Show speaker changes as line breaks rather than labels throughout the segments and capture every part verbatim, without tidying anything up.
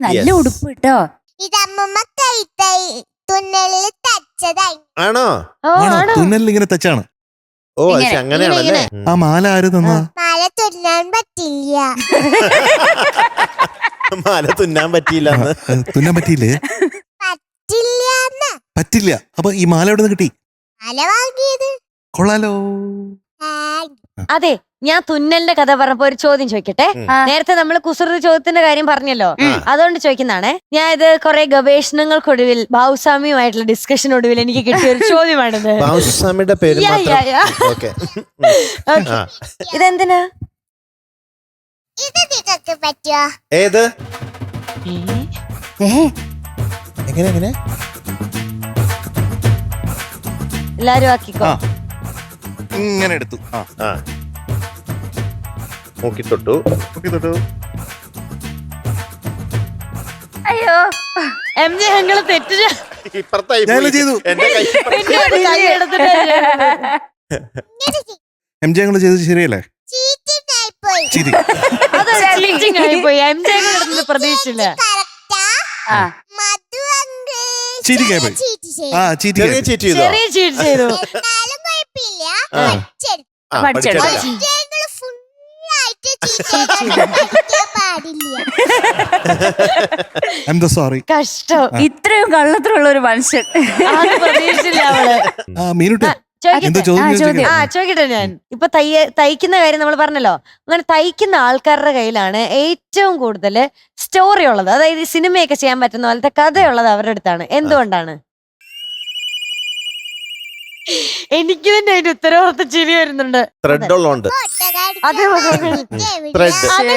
നല്ല ഉടുപ്പ് കേട്ടോ.
ഇത് അമ്മമ്മ കൈ തൈ തുന്നലിൽ തച്ചതായി.
ആണോ?
തുന്നലിൽ ഇങ്ങനെ തച്ചാണ്.
ഓ അങ്ങനെയാണല്ലേ.
ആ മാല ആര് തന്ന?
മാല തുന്നാൻ പറ്റില്ല.
മാല തുന്നാൻ പറ്റിയില്ല.
തുന്നാൻ പറ്റിയില്ലേ?
പറ്റില്ല.
പറ്റില്ല. അപ്പൊ ഈ മാല എവിടെ നിന്ന് കിട്ടി?
മാല വാങ്ങിയത്.
കൊള്ളാലോ.
അതെ, ഞാൻ തുന്നലിന്റെ കഥ പറഞ്ഞപ്പോ ഒരു ചോദ്യം ചോദിക്കട്ടെ. നേരത്തെ നമ്മൾ കുസൃതി ചോദ്യത്തിന്റെ കാര്യം പറഞ്ഞല്ലോ, അതുകൊണ്ട് ചോദിക്കുന്നതാണ്. ഞാൻ ഇത് കുറെ ഗവേഷണങ്ങൾക്കൊടുവിൽ ബാബുസ്വാമിയുമായിട്ടുള്ള ഡിസ്കഷനൊടുവിൽ എനിക്ക് കിട്ടിയ ഒരു ചോദ്യമാണിത്.
ബാബുസ്വാമിയുടെ പേര്
ഇതെന്തിനാ?
ഇത് നിങ്ങൾക്ക് പറ്റുമോ?
ഏത്?
ഏ
എങ്ങനെ എങ്ങനെ?
എല്ലാരും ആക്കിക്കോ.
ഇങ്ങനെ എടുത്തു.
ആ നോക്കി തൊട്ടു.
തൊട്ടു.
അയ്യോ
എം ജെ ഞങ്ങള് തെറ്റു
ഇപ്പുറത്തായി
ചെയ്തു.
എന്റെ കൈ
കൈ എടുത്തിട്ട്
എം ജെ ഞങ്ങള് ചെയ്തത് ശരിയല്ലേ?
Cheating ആയിപ്പോയി.
ചിരി.
അതൊരു cheating ആയിപ്പോയി. എം ജെ ഞങ്ങളടുത്ത് പ്രതീക്ഷിച്ചില്ല.
കറക്റ്റാ?
ആ
മധു uncle
Cheating ആയിപ്പോയി.
cheat ചെയ്തു.
ആ ചീറ്റി.
ചെറിയ ചീറ്റ് ചെയ്തോ?
ചെറിയ ചീറ്റ് ചെയ്തു.
എന്നാലും കുഴപ്പമില്ല.
ആ.
പഠിച്ചെടുത്തു.
ആ,
പഠിച്ചെടുത്തു.
പഠിച്ചെടുക്കാം.
ഞങ്ങള് full ആയിട്ട് cheat ചെയ്താൽ പഠിക്കാൻ പാടില്ല.
I am sorry.
കഷ്ടം.
ഇത്രയും കള്ളത്തിലുള്ള ഒരു മനുഷ്യൻ.
അത് പ്രതീക്ഷിച്ചില്ല അവള്.
ആ മീനുട്ടി
ചോദിക്കട്ടെ?
എന്താ ചോദ്യം
ആ,
ചോദിച്ചേ?
ആ ചോദിക്കട്ടെ. ഞാൻ ഇപ്പൊ തയ്യ തയ്ക്കുന്ന കാര്യം നമ്മൾ പറഞ്ഞല്ലോ. അങ്ങനെ തയ്ക്കുന്ന ആൾക്കാരുടെ കയ്യിലാണ് ഏറ്റവും കൂടുതൽ സ്റ്റോറി ഉള്ളത്. അതായത് ഈ സിനിമയൊക്കെ ചെയ്യാൻ പറ്റുന്ന പോലത്തെ കഥയുള്ളത് അവരുടെ അടുത്താണ്. എന്തുകൊണ്ടാണ്? എനിക്ക് തന്നെ അതിന്റെ ഉത്തരവാദിത്തം ചിരി വരുന്നുണ്ട്.
ത്രെഡ് ഉള്ളോണ്ട്.
അതെ,
ത്രെഡ്.
അത്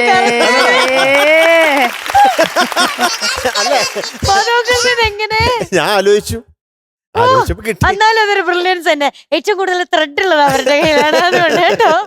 എങ്ങനെ?
ഞാൻ ആലോചിച്ചു ആലോചിച്ചപ്പോ കിട്ടി.
എന്നാലും അതൊരു ബ്രില്യൻസ് തന്നെ. ഏറ്റവും കൂടുതൽ ത്രെഡ് ഉള്ളത് അവരുടെ കയ്യിലാണ്. അതുകൊണ്ട് കേട്ടോ.